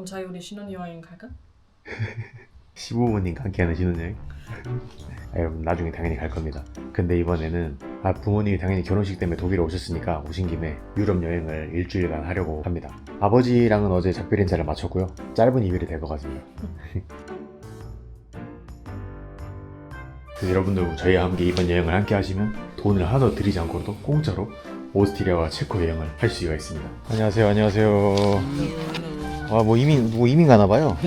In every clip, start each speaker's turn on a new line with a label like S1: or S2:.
S1: 그럼 저희 우리 신혼여행 갈까?
S2: 시부모님과 함께하는 신혼여행? 여러분 나중에 당연히 갈 겁니다. 근데 이번에는 부모님이 당연히 결혼식 때문에 독일에 오셨으니까 오신 김에 유럽 여행을 일주일간 하려고 합니다. 아버지랑은 어제 작별 인사를 마쳤고요. 짧은 이별이 될 것 같습니다. 그래서 여러분들 저희와 함께 이번 여행을 함께 하시면 돈을 하나도 들이지 않고도 공짜로 오스트리아와 체코 여행을 할 수가 있습니다. 안녕하세요. 안녕하세요. 뭐 이민 가나 봐요.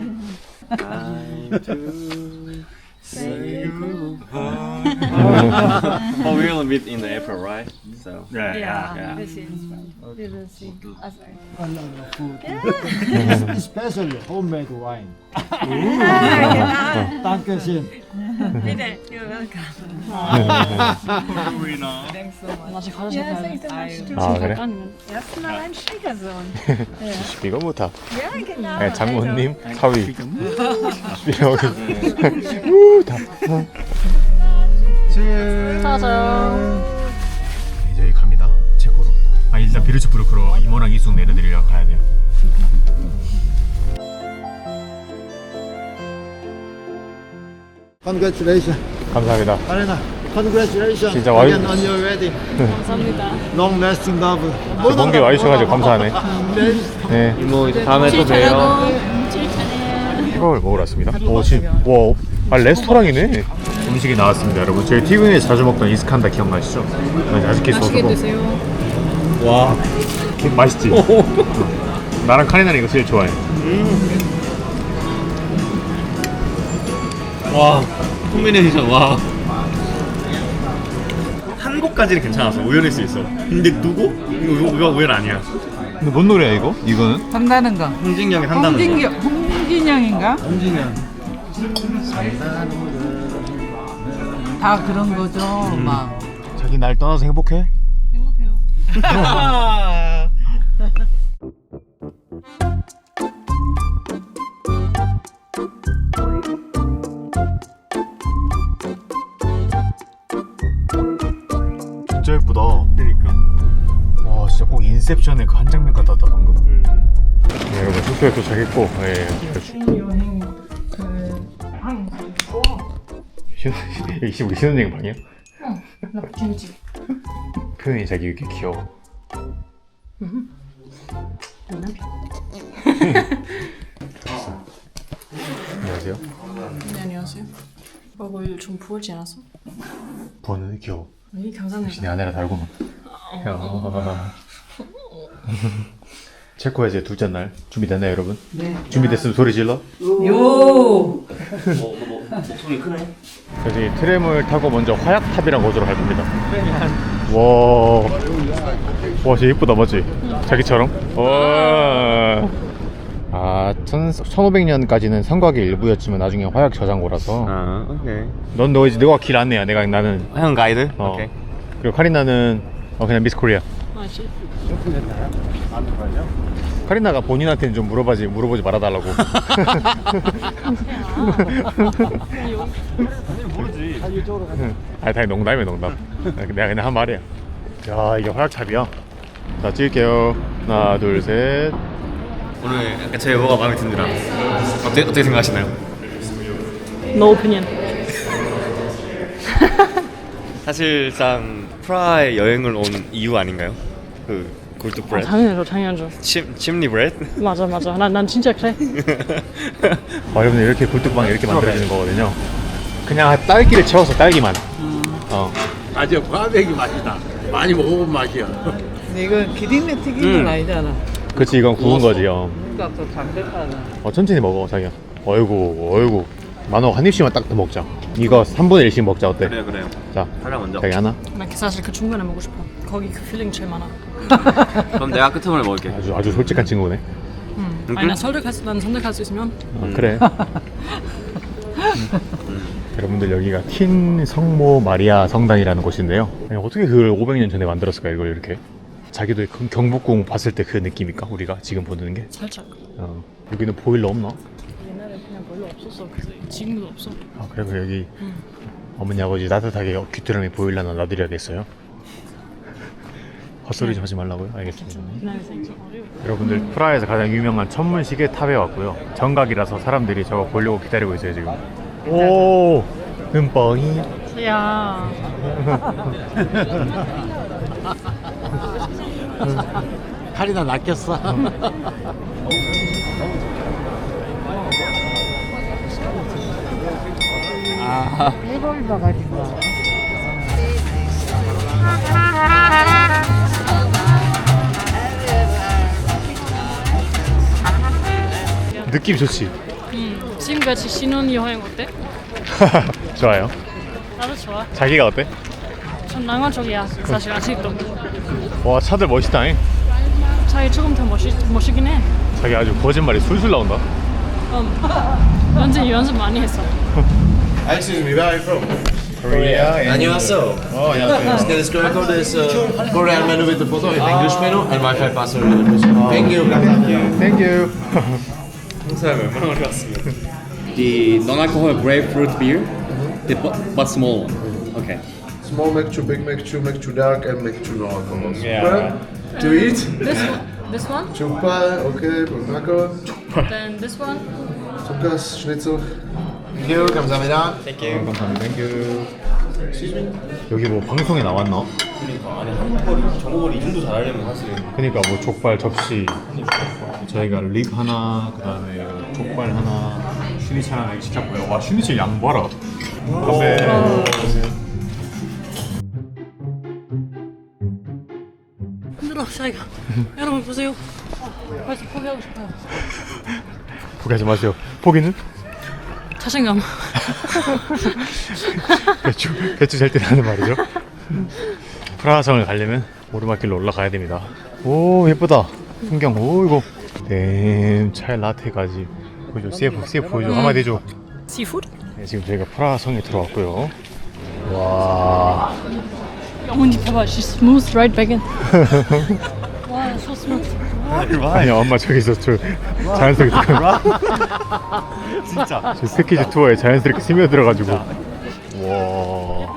S3: Say goodbye. Oh, we're gonna meet in April, right? So
S4: Yeah. This is right. We will see.
S5: A lot of food. Especially homemade wine. Danke schön.
S4: Bitte, you're welcome.
S3: we know.
S4: Thanks so much.
S1: 아직
S4: Ja, das ist immer stimmt.
S2: 아 그래?
S4: Erstmal ein Schwiegersohn.
S2: 이거 못하.
S4: Ja, genau.
S2: 장모님 사위. 다.
S1: 짜잔.
S2: 이제 여기 갑니다. 체코로. 일단 비르츠부르크로 이모랑 이숙 내려드리러 가야 돼요.
S5: Congratulations.
S2: 감사합니다.
S5: Arena, congratulations.
S2: 진짜 와이-
S5: Again on your wedding.
S1: 감사합니다.
S5: Long lasting love.
S2: 먼 길 와주셔가지고 감사하네. 네.
S3: 이모 다음에 또 봬요.
S2: 햄버거를 먹으러 왔습니다. 지금 레스토랑이네. 음식이 나왔습니다, 여러분. 저희 티빙에서 자주 먹던 이스칸다 기억나시죠? 아직도
S1: 맛있게
S2: 있어서.
S1: 드세요.
S2: 와, 맛있지. 나랑 카리나는 이거 제일 좋아해.
S3: 와, 콤비네이션 와. 한국까지는 괜찮았어. 우연일 수 있어. 근데 누구? 이거 우연 아니야.
S2: 근데 뭔 노래야 이거? 이거는?
S6: 한다는 거.
S3: 홍진경이 한다는 거.
S6: 홍진영인가?
S5: 홍진영.
S6: 다 그런 거죠. 막.
S2: 자기 날 떠나서 행복해?
S1: 행복해요.
S2: 진짜 예쁘다.
S3: 그러니까.
S2: 와, 진짜 꼭 인셉션의 그 한 장면 같았다 방금. 네, 여러분 숙소에 도착했고,
S1: 신혼여행 그방 좋아.
S2: 여기 우리 신혼여행 방이야?
S1: 나 재밌지.
S2: 표현이 자기 이렇게 귀여워.
S1: 내 남편.
S2: 안녕하세요.
S1: 네, 안녕하세요. 오늘 좀 부을지 않았어?
S2: 부었는데 귀여워.
S1: 이 감사합니다.
S2: 역시 내 아내라 다르구만. 체코에 이제 둘째 날 준비됐나요, 여러분? 네. 준비됐으면 소리 질러.
S6: 요.
S3: 목소리 크네.
S2: 여기 트램을 타고 먼저 화약탑이란 곳으로 갈 겁니다. 와, 진짜 예쁘다, 맞지? 자기처럼? 와. 1500년까지는 성곽의 일부였지만 나중에 화약 저장고라서.
S3: 아, 오케이.
S2: 너가 길 안내야. 나는.
S3: 형 가이드?
S2: 오케이. 그리고 카리나는 그냥 미스 코리아.
S1: 맛있지?
S2: 카리나가 본인한테는 좀 물어보지 말아달라고.
S3: 모르지.
S2: 당연히 농담이야, 농담. 내가 그냥 한 말이야. 야, 이게 화약탑이야. 자, 찍을게요. 하나, 둘, 셋.
S3: 오늘 약간 제 외모가 마음에 듭니다. 어떻게 생각하시나요?
S1: No opinion.
S3: 사실상 프라하에 여행을 온 이유 아닌가요? 그 골드 브레드.
S1: 당연하죠.
S3: 침리 브레드?
S1: 맞아. 난 진짜 그래.
S2: 여러분 이렇게 굴뚝빵이 이렇게 만들어지는 거거든요. 그냥 딸기를 채워서 딸기만.
S7: 아주 과백이 맛이다. 많이 먹어본 맛이야.
S6: 근데 이건 기린내 튀긴 건 아니잖아.
S2: 그치, 이건 구운 거지요.
S6: 그러니까 또 담백하다.
S2: 천천히 먹어, 자기야. 어이구. 만호 한 입씩만 딱 더 먹자. 이거 3분의 1씩 먹자, 어때?
S3: 그래요.
S2: 자,
S3: 하나 먼저.
S2: 자기 하나.
S1: 나 사실 그 중간에 먹고 싶어. 거기 그 필링 제일 많아.
S3: 그럼 내가 끝을 먹을게.
S2: 아주 솔직한 친구네.
S1: 아니 난 선택할 수 있으면.
S2: 그래. 여러분들 여기가 틴 성모 마리아 성당이라는 곳인데요. 아니, 어떻게 그걸 500년 전에 만들었을까, 이걸 이렇게? 자기도 경복궁 봤을 때 그 느낌일까, 우리가 지금 보는 게?
S1: 살짝.
S2: 여기는 보일러 없나?
S1: 옛날에 그냥 별로 없었어. 그래서 지금도 없어.
S2: 그래서 여기 어머니 아버지 따뜻하게 귀뚜라미 보일러나 놔드려야겠어요. 헛소리 좀 하지 말라고요? 알겠습니다. 여러분들 프라하에서 가장 유명한 천문시계 탑에 왔고요. 정각이라서 사람들이 저거 보려고 기다리고 있어요 지금. 오, 눈뻥이.
S1: 야.
S5: 팔이 다 낚였어.
S6: 해골 봐가지고.
S2: 느낌 좋지?
S1: 지금같이 신혼여행 어때?
S2: 좋아요.
S1: 나도 좋아.
S2: 자기가 어때?
S1: 전 낭만적이야. 사실 아직도.
S2: 와, 차들 멋있다잉.
S1: 자기 조금 더 멋있긴 해.
S2: 자기 아주 거짓말이 술술 나온다.
S1: 완전 연습 많이 했어.
S8: Excuse me, where are you from?
S2: Korea.
S8: 안녕하세요.
S2: 안녕하세요.
S8: This QR code is Korean menu with the photo in English menu and Wi-Fi password in English. Thank you.
S2: Thank you.
S3: 사람 얼마나 오래 왔으면.
S9: The non-alcoholic grapefruit beer, but small one. Okay.
S10: Small Mac 2, Big Mac 2, Mac 2 Dark and Mac 2 no alcohol.
S2: Yeah.
S10: To eat?
S1: This one?
S10: Chukpa, okay, taco.
S1: Then this one?
S10: Tukas, Schnitzel.
S8: Thank you. 감사합니다.
S2: 감사합니다. 땡큐. 여기 뭐 방송에 나왔나?
S3: 그러니까 아니 한국어를 정국어를 이 정도 잘하려면 사실은.
S2: 그러니까 뭐 족발 접시, 저희가 립 하나, 그다음에 족발 하나, 슈니첼 하나 시켰고요. 와, 슈니첼 양 봐라. 건배.
S1: 힘들어, 자기가. 여러분 보세요. 벌써 포기하고 싶어요.
S2: 포기하지 마세요. 포기는?
S1: 자신감.
S2: 배추 잘 때라는 말이죠. 프라하성을 가려면 오르막길로 올라가야 됩니다. 오, 예쁘다. 풍경. 오, 이거. 댐, 차에 라테까지. 보여줘. CF 보여줘. 한마디 해줘.
S1: Seafood?
S2: 네, 지금 저희가 프라하성에 들어왔고요. 와.
S1: 어머니 봐봐, she's smooth right back in. 와, so smooth.
S2: 아니, 엄마 저기서 저 자연스럽게 진짜 저 패키지 투어에 자연스럽게 스며들어가지고. 와.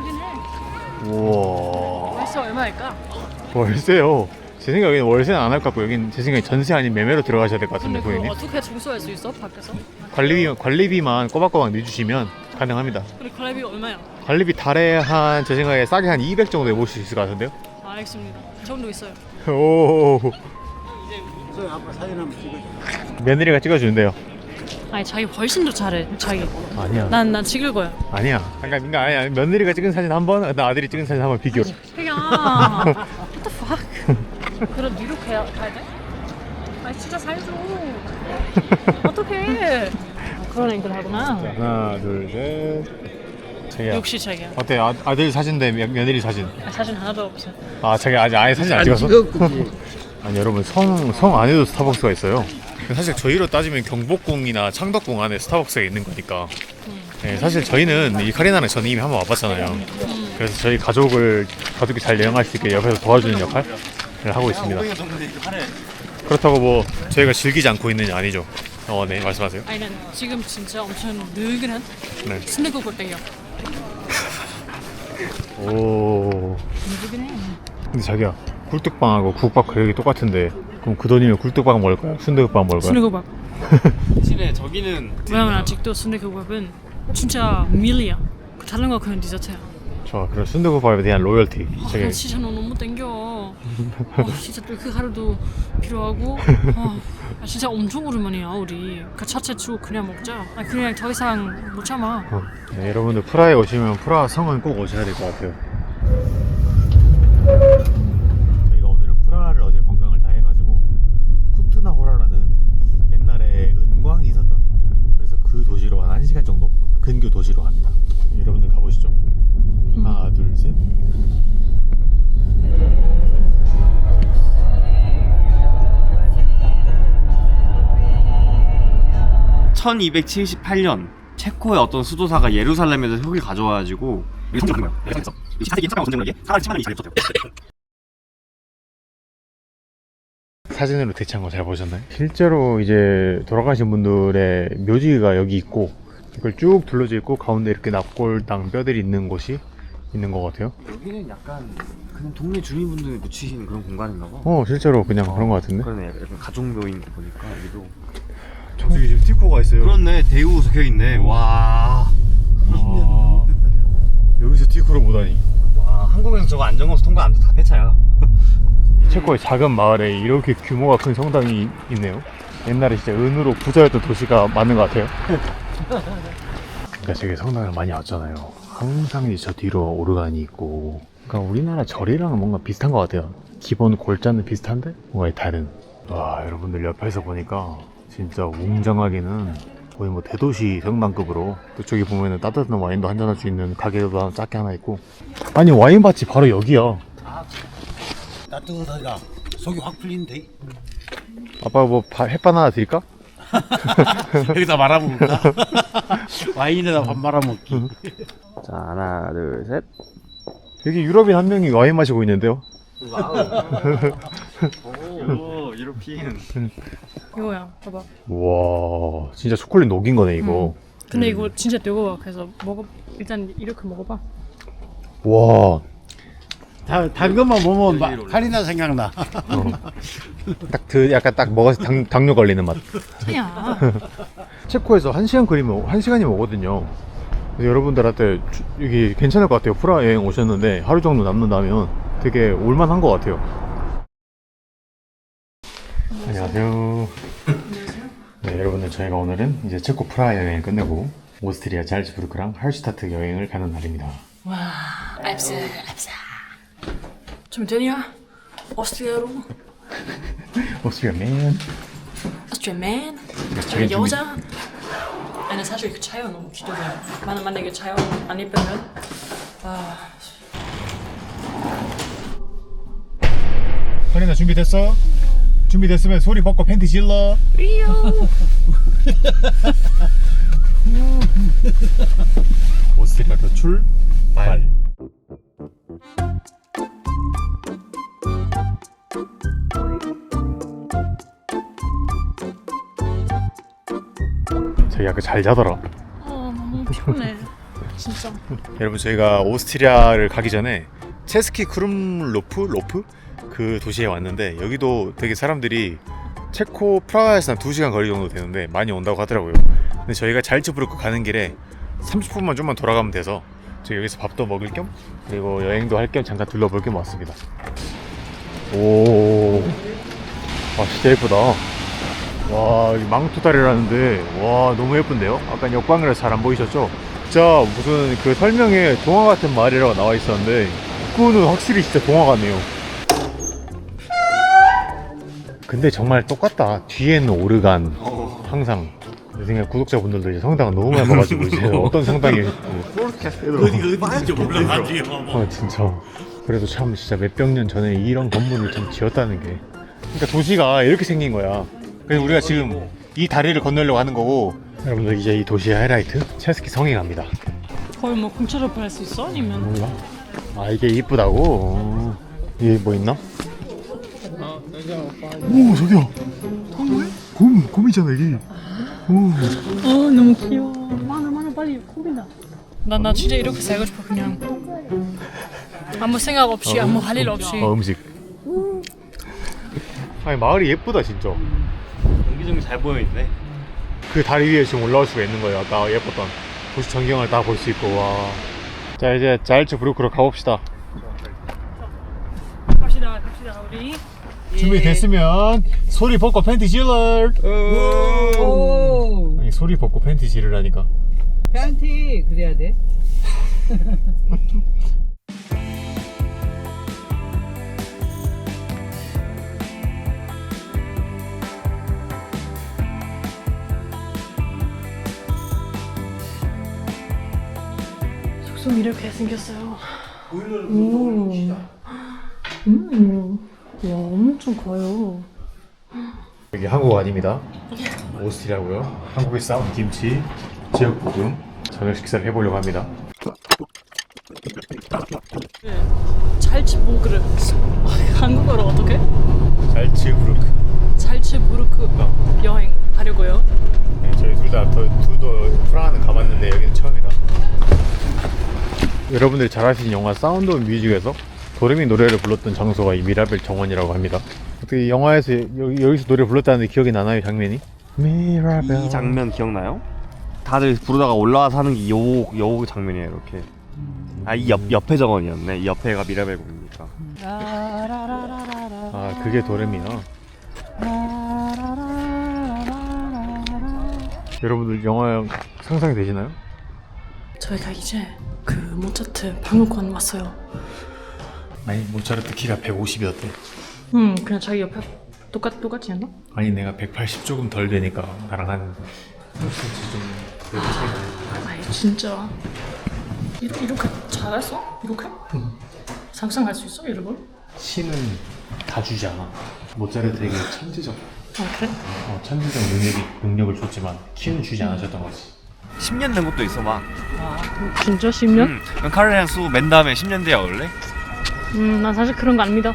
S2: 우와.
S1: 벌써 얼마일까?
S2: 월세요. 제 생각에는 월세는 안 할 것 같고, 여긴 제 생각에 전세 아닌 매매로 들어가셔야 될 것 같은데,
S1: 근데 그거
S2: 고객님.
S1: 어떻게 청소할 수 있어? 밖에서?
S2: 관리비만 꼬박꼬박 내주시면 가능합니다.
S1: 근데 관리비 얼마야?
S2: 관리비 달에 한, 제 생각에 싸게 한 200 정도에 모실 수 있을 것 같은데요?
S1: 알겠습니다. 그 정도 있어요.
S2: 오.
S5: 아빠 사진 한번 찍어줘.
S2: 며느리가 찍어주는데요.
S1: 아니 자기 훨씬 더 잘해. 자기.
S2: 아니야.
S1: 난 찍을 거야.
S2: 아니야. 그러니까 아니야. 며느리가 찍은 사진 한 번, 나 아들이 찍은 사진 한 번 비교로.
S1: 야. What the fuck? 그럼 뉴욕 가야 돼? 아니 진짜 살줘. 어떡해. 그런 앵글 하구나.
S2: 하나, 둘, 셋. 자기야.
S1: 역시 자기야.
S2: 어때? 아들 사진 대 며느리 사진.
S1: 사진 하나도 없어.
S2: 아, 자기 아직 아예 사진 안 찍었어? 아니, 여러분, 성 안에도 스타벅스가 있어요. 사실 저희로 따지면 경복궁이나 창덕궁 안에 스타벅스가 있는 거니까. 네, 사실 저희는 이 카리나는 저는 이미 한번 와봤잖아요. 그래서 저희 가족이 잘 여행할 수 있게 옆에서 도와주는 역할을 하고 있습니다. 그렇다고 뭐 저희가 즐기지 않고 있는 게 아니죠. 네, 말씀하세요.
S1: 아니 난 지금 진짜 엄청 느긋한
S2: 네.
S1: 순대국을 땡겨.
S2: 오.
S1: 느긋해.
S2: 근데 자기야, 굴뚝빵하고 국밥 가격이 똑같은데, 그럼 그 돈이면 굴뚝빵 먹을 거야? 순대국빵 먹을 거야?
S1: 순대국밥.
S3: 실에 저기는
S1: 왜냐면 아직도 순대국밥은 진짜 밀이야. 다른 거 그냥 디저트야.
S2: 좋아, 그럼 순대국밥에 대한 로열티.
S1: 아, 진짜 너무 땡겨. 진짜 또 그 하루도 필요하고. 진짜 엄청 오랜만이야 우리. 그 자체 쭉 그냥 먹자. 그냥 더 이상 못 참아.
S2: 네, 여러분들 프라하에 오시면 프라하 성은 꼭 오셔야 될 것 같아요. 저희가 오늘은 프라하를 어제 관광을 다 해가지고 쿠트나호라라는 옛날에 은광이 있었던, 그래서 그 도시로 한 1시간 정도 근교 도시로 갑니다. 여러분들 가보시죠. 하나, 둘, 셋.
S3: (1278년) 체코의 어떤 수도사가 예루살렘에서 흙을 가져와가지고
S2: 사진으로 대체한 거 잘 보셨나요? 실제로 이제 돌아가신 분들의 묘지가 여기 있고, 이걸 쭉 둘러져 있고 가운데 이렇게 납골당 뼈들이 있는 곳이 있는 것 같아요.
S3: 여기는 약간 그냥 동네 주민분들이 묻히시는 그런 공간인가 봐.
S2: 실제로 그냥 그런 것 같은데.
S3: 그러네. 약간 가족묘인 거 보니까 여기도.
S2: 저기 지금 티코가 있어요.
S3: 그렇네. 대우 적혀있네. 와.
S2: 여기서 티코를 보다니.
S3: 와, 한국에서 저거 안전검수 통과 안 돼도 다 폐차야.
S2: 체코의 작은 마을에 이렇게 규모가 큰 성당이 있네요. 옛날에 진짜 은으로 부자였던 도시가 맞는 것 같아요. 그러니까 저기 성당을 많이 왔잖아요. 항상 이제 저 뒤로 오르간이 있고, 그러니까 우리나라 절이랑은 뭔가 비슷한 것 같아요. 기본 골자는 비슷한데 뭔가 다른. 와, 여러분들 옆에서 보니까 진짜 웅장하게는 거의 뭐 대도시 성당급으로, 그쪽에 보면은 따뜻한 와인도 한잔할 수 있는 가게도 작게 하나 있고. 아니, 와인밭이 바로 여기야.
S5: 따뜻하다. 속이 확 풀린데.
S2: 아빠 뭐 햇반 하나 드릴까?
S5: 여기다 말아먹을까? 와인에다 밥 말아먹기.
S3: 자, 하나, 둘, 셋.
S2: 여기 유럽인 한 명이 와인 마시고 있는데요.
S3: 오, 유로피안.
S1: 이거야, 봐봐.
S2: 와, 진짜 초콜릿 녹인 거네 이거.
S1: 근데 이거 진짜 뜨거워. 그래서 일단 이렇게 먹어봐.
S2: 와,
S5: 단 것만 보면 카리나 생각나.
S2: 약간 딱 먹어서 당뇨 걸리는 맛.
S1: 야.
S2: 체코에서 1시간 거리면 1시간이면 오거든요. 그래서 여러분들한테 여기 괜찮을 것 같아요. 프라하 여행 오셨는데 하루 정도 남는다면 되게 올만한 것 같아요. 안녕하세요. 네, 여러분들 저희가 오늘은 이제 체코 프라하 여행을 끝내고 오스트리아 잘츠부르크랑 할슈타트 여행을 가는 날입니다.
S1: 와, 앱스. 준비되냐? 오스트리아로?
S2: 오스트리아 맨.
S1: 오스트리아맨? 저기 여자? 아니 사실 그 차요 너무 기대돼요. 만약에 차요 안 예쁘면
S2: 카리나 준비됐어? 준비됐으면 소리 벗고 팬티 질러. 오스트리아로 출발. 저희 아까 잘 자더라.
S1: 너무 피곤해. 진짜.
S2: 여러분 저희가 오스트리아를 가기 전에 체스키 크룸로프 그 도시에 왔는데 여기도 되게 사람들이 체코 프라하에서 한 2시간 거리 정도 되는데 많이 온다고 하더라고요. 근데 저희가 잘츠부르크 가는 길에 30분만 좀만 돌아가면 돼서 저희 여기서 밥도 먹을 겸 그리고 여행도 할 겸 잠깐 둘러볼 겸 왔습니다. 오, 와 진짜 예쁘다. 와, 이 망토다리라는데 와 너무 예쁜데요? 아까 역광이라서 잘 안 보이셨죠? 진짜 무슨 그 설명에 동화 같은 마을이라고 나와 있었는데 그거는 확실히 진짜 동화 같네요. 근데 정말 똑같다. 뒤에는 오르간 항상. 내 생각에 구독자분들도 이제 성당을 너무 많이 봐가지고 이제 어떤 성당이
S7: 어디인지 몰라가지고.
S2: 진짜. 그래도 참 진짜 몇백 년 전에 이런 건물을 좀 지었다는 게, 그러니까 도시가 이렇게 생긴 거야. 그래서 우리가 지금 이 다리를 건너려고 하는 거고, 여러분들 이제 이 도시의 하이라이트 체스키 성에 갑니다.
S1: 거의 뭐 공짜로 할 수 있어? 아니면
S2: 몰라? 아 이게 이쁘다고? 이게 뭐 있나? 오 저기야. 곰이잖아 이게.
S1: 너무 귀여워. 많아 빨리 콤비나. 나 진짜 이렇게 살고 싶어. 그냥 아무 생각 없이 아무 할 일 없이.
S2: 음식. 아니 마을이 예쁘다 진짜.
S3: 옹기종기 잘 보여있네.
S2: 그 다리 위에 지금 올라올 수가 있는 거예요. 아까 예뻤던 도시 전경을 다 볼 수 있고. 와. 자 이제 잘츠부르크로 가봅시다.
S1: 갑시다 우리.
S2: 준비됐으면 소리 벗고 팬티 질러.
S6: 오,
S2: 아니 소리 벗고 팬티 지르라니까.
S6: 팬티 그래야 돼.
S1: 숙소 이렇게 생겼어요. 와 엄청 커요.
S2: 여기 한국 아닙니다. 오스트리아고요. 한국에 싸운 김치, 제육볶음, 저녁 식사를 해보려고 합니다.
S1: 잘츠부르크. 한국어로 어떻게?
S2: 잘츠부르크.
S1: 잘츠부르크 여행 하려고요.
S2: 네, 저희 둘 다 프라하는 가봤는데 여기는 처음이라. 여러분들이 잘 아시는 영화 사운드 오브 뮤직에서 도레미 노래를 불렀던 장소가 이 미라벨 정원이라고 합니다. 어떻게 영화에서 여기서 노래 불렀다는데 기억이 나나요, 장면이? 미라벨.
S3: 이 장면 기억나요? 다들 부르다가 올라와서 하는 게 요 장면이에요. 이렇게. 아, 이 옆에 정원이었네. 이 옆에가 미라벨 공이니까.
S2: 아, 그게 도레미야. 여러분들 영화 상상이 되시나요?
S1: 저희가 이제 그 모차르트 박물관 왔어요.
S2: 아니, 모차르트 키가 150이었대.
S1: 그냥 자기 옆에 똑같이 했나?
S2: 아니, 내가 180 조금 덜 되니까 나랑 한 30cm 좀 그래도 차이가 나요.
S1: 아이 진짜 이렇게 잘했어? 이렇게? 상상할 수 있어 여러분?
S2: 신은 다 주지 않아. 모차르트에게 천재적
S1: 그래?
S2: 천재적 능력을 줬지만 키는 주지 않으셨던 거지.
S3: 10년 된 것도 있어 막.
S1: 진짜 10년?
S3: 그럼 카를레안 수맨 다음에 10년 뒤에 올래?
S1: 난 사실 그런 거 안 믿어.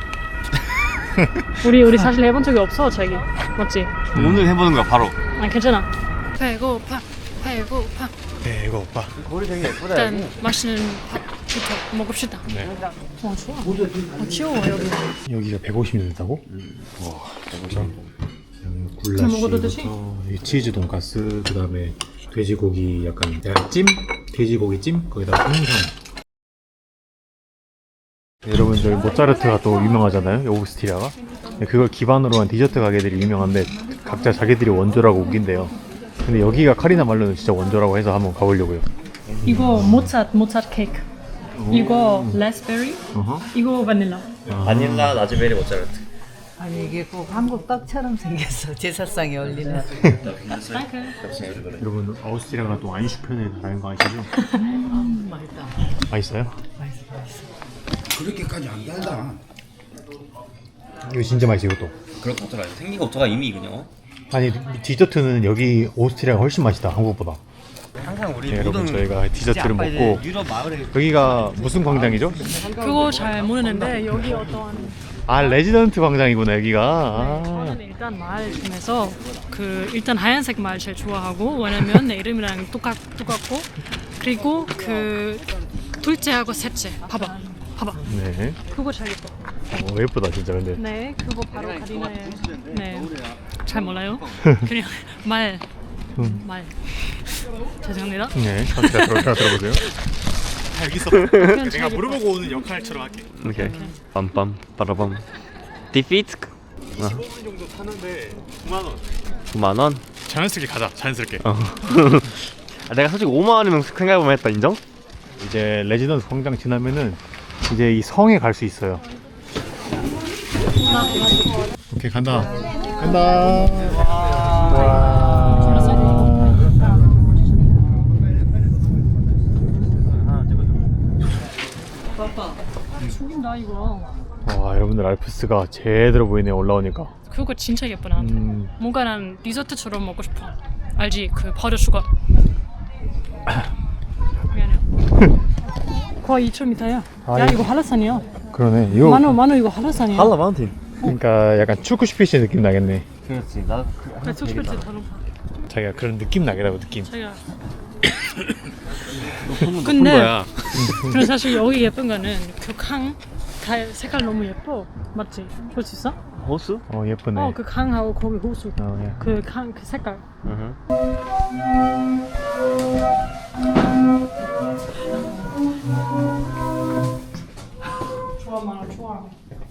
S1: 우리 사실 해본 적이 없어 자기 맞지?
S3: 오늘 해보는 거야 바로.
S1: 괜찮아. 배고파.
S3: 거리 되게 예쁘다.
S1: 일단 맛있는 밥부터 먹읍시다.
S2: 네.
S1: 좋아. 귀여워 여기.
S2: 여기가 150이 된다고? 와, 150.
S1: 그럼 먹어도 되지?
S2: 굴라쉬부터 치즈 돈가스, 그 다음에 돼지고기 약간 찜? 돼지고기 찜? 거기다가 홍삼. 여러분, 저희 모차르트가 또 유명하잖아요, 오브스티리아가. 그걸 기반으로 한 디저트 가게들이 유명한데 각자 자기들이 원조라고 우긴대요. 근데 여기가 카리나 말로는 진짜 원조라고 해서 한번 가보려고요.
S1: 이거 모차르트 케이크. 이거 라스베리. 이거 바닐라.
S3: 바닐라, 라즈베리, 모차르트.
S6: 아니 이게 꼭 한국 떡처럼 생겼어. 제사상에 올리는.
S2: 여러분, 오스트리아가 또 아인슈펜의 나라인 거 아시죠?
S6: 맛있다.
S2: 맛있어요?
S6: 맛있어.
S7: 그렇게까지 안 달다.
S2: 이거 진짜 맛있어, 이것도.
S9: 그럴 것 같더라. 생긴 것부터가 이미 그냥.
S2: 아니, 디저트는 여기 오스트리아가 훨씬 맛있다, 한국보다.
S3: 항상 우리
S2: 네, 여러분, 저희가 디저트를
S3: 아빠 이제
S2: 먹고
S3: 유럽 마을에
S2: 여기가 무슨 광장이죠?
S1: 그거 잘 모르는데 여기 어떤
S2: 아, 레지던트 광장이구나, 여기가.
S1: 저는 일단 말 중에서 그 일단 하얀색 말 제일 좋아하고 왜냐면 내 이름이랑 똑같고 그리고 그 둘째하고 셋째 봐봐
S2: 네.
S1: 그거 잘 예뻐.
S2: 예쁘다, 진짜, 근데.
S1: 네 그거 바로 가리나의 네잘 몰라요. 그냥 말 죄송합니다.
S2: 네, 제가 들어보세요. 여기 있어.
S1: 그냥
S2: 내가 물어보고 오는 역할처럼 할게.
S3: 오케이. 빰빰 빠라밤. 디피트.
S2: 15분 정도 타는데 9만 원.
S3: 9만 원?
S2: 자연스럽게 가자, 자연스럽게.
S3: 내가 솔직히 5만 원이면 생각해보면 했다. 인정?
S2: 이제 레지던트 광장 지나면은 이제 이 성에 갈 수 있어요. 오케이, 간다.
S1: 죽인다 이거.
S2: 와, 여러분들 알프스가 제대로 보이네요, 올라오니까.
S1: 그거 진짜 예뻐 나한테. 뭔가 난 디저트처럼 먹고 싶어. 알지? 그 버터슈가. 미안해요. 거의 2,000m야. 야 이거 한라산이야.
S2: 그러네. 이거
S1: 만호 이거 한라산이야.
S3: 할라 마운틴.
S2: 그러니까 약간 축구슈피시 느낌 나겠네.
S3: 그렇지. 나
S1: 그래 숙소지 더 높아.
S2: 자기가 그런 느낌 나겠다고, 느낌.
S1: 자기가.
S3: 높은
S1: 근데
S3: 거야.
S1: 그래 사실 여기 예쁜 거는 그 강 색깔 너무 예뻐. 맞지? 볼 수 있어?
S3: 호수?
S2: 예쁘네.
S1: 그 강하고 거기 호수.
S2: 예.
S1: 그 강 그 색깔. 좋아 만화 좋아.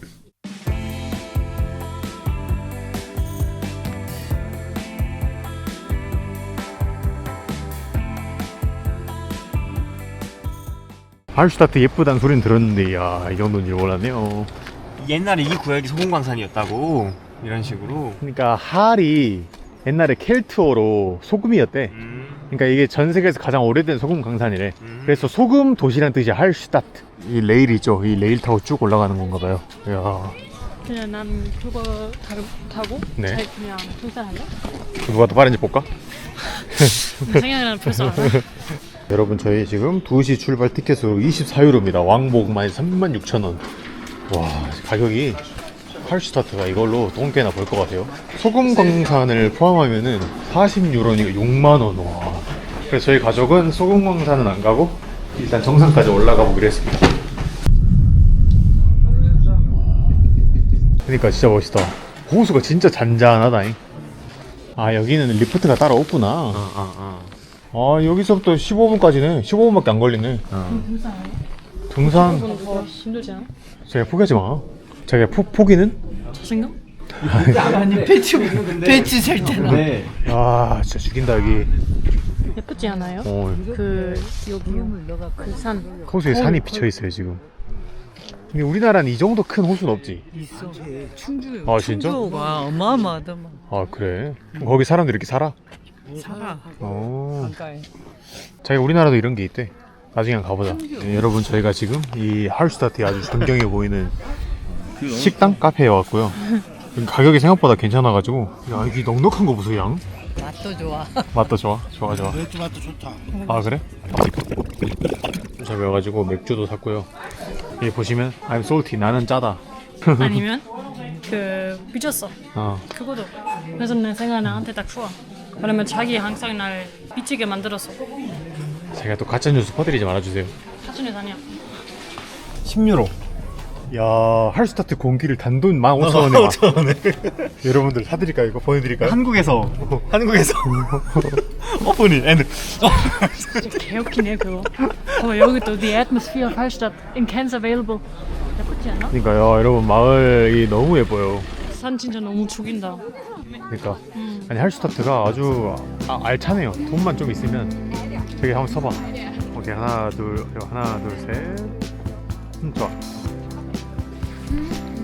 S2: 할슈타트 예쁘다는 소리는 들었는데, 야, 이 정도인 줄 몰랐네요.
S3: 옛날에 이 구역이 소금광산이었다고. 이런 식으로.
S2: 그러니까 할이 옛날에 켈트어로 소금이었대. 그러니까 이게 전 세계에서 가장 오래된 소금 강산이래. 그래서 소금 도시란 뜻이 할슈타트. 이 레일이 있죠. 이 레일 타고 쭉 올라가는 건가 봐요. 이야,
S1: 그냥 난 그거 타고
S2: 네.
S1: 잘 그냥 등산할래?
S2: 누가 더 빠른지 볼까?
S1: 생각나는 벌써 알아.
S2: 여러분, 저희 지금 2시 출발 티켓으로 24유로입니다. 왕복만 36,000원. 와, 가격이 할슈타트가 이걸로 똥개나 볼 것 같아요. 소금 광산을 포함하면은 40유로니까 6만원. 와. 그래서 저희 가족은 소금 광산은 안 가고 일단 정상까지 올라가 보기로 했습니다. 그러니까 진짜 멋있다. 호수가 진짜 잔잔하다잉. 아 여기는 리프트가 따로 없구나. 아 여기서부터 15분까지네. 15분밖에 안 걸리네. 등산
S1: 더 힘들지 않아?
S2: 제가 포기하지 마. 자기가 포기는?
S1: 자신감?
S6: 아니 배추 살 때는
S2: 아 진짜 죽인다 여기.
S1: 예쁘지 않아요?
S2: 어,
S1: 그 여기 그 산.
S2: 호수에 산이 비쳐 있어요 지금. 근데 우리나라는 이 정도 큰 호수는 없지.
S6: 있어. 충주.
S2: 아, 진짜?
S6: 충주가 어마어마하더만.
S2: 아 그래? 그럼 거기 사람들 이렇게 살아?
S6: 살아.
S2: 어.
S6: 가까이.
S2: 자기 우리나라도 이런 게 있대. 나중에 한번 가보자. 네, 여러분 저희가 지금 이 할슈타트에 아주 존경해 보이는 식당 카페에 왔고요. 가격이 생각보다 괜찮아가지고 야 여기 넉넉한 거 보세요 양.
S6: 맛도 좋아.
S2: 맛도 좋아? 좋아.
S5: 맥주 맛도 좋다.
S2: 아 그래? 잡아가지고 맥주도 샀고요. 여기 보시면 I'm salty 나는 짜다.
S1: 아니면 그 삐졌어. 그거도. 그래서 내 생각에 나한테 딱 좋아. 왜냐면 자기 항상 날 미치게 만들었어.
S2: 제가 또 가짜 뉴스 퍼뜨리지 말아주세요.
S1: 사진에 다녀.
S2: 10유로. 야 할스타트 공기를 단돈 15,000원에 여러분들 사드릴까요? 이거 보내드릴까요?
S3: 한국에서 오프닝 엔드.
S1: 진짜 개웃기네 그거. 여기 또 The Atmosphere of Hallstatt in cans available. 예쁘지 않아?
S2: 그러니까 야 여러분 마을이 너무 예뻐요.
S1: 산 진짜 너무 죽인다.
S2: 그러니까 아니 할슈타트가 아주 알차네요. 돈만 좀 있으면. 저기 한번 서봐. 오케이 하나 둘 셋. 좋아.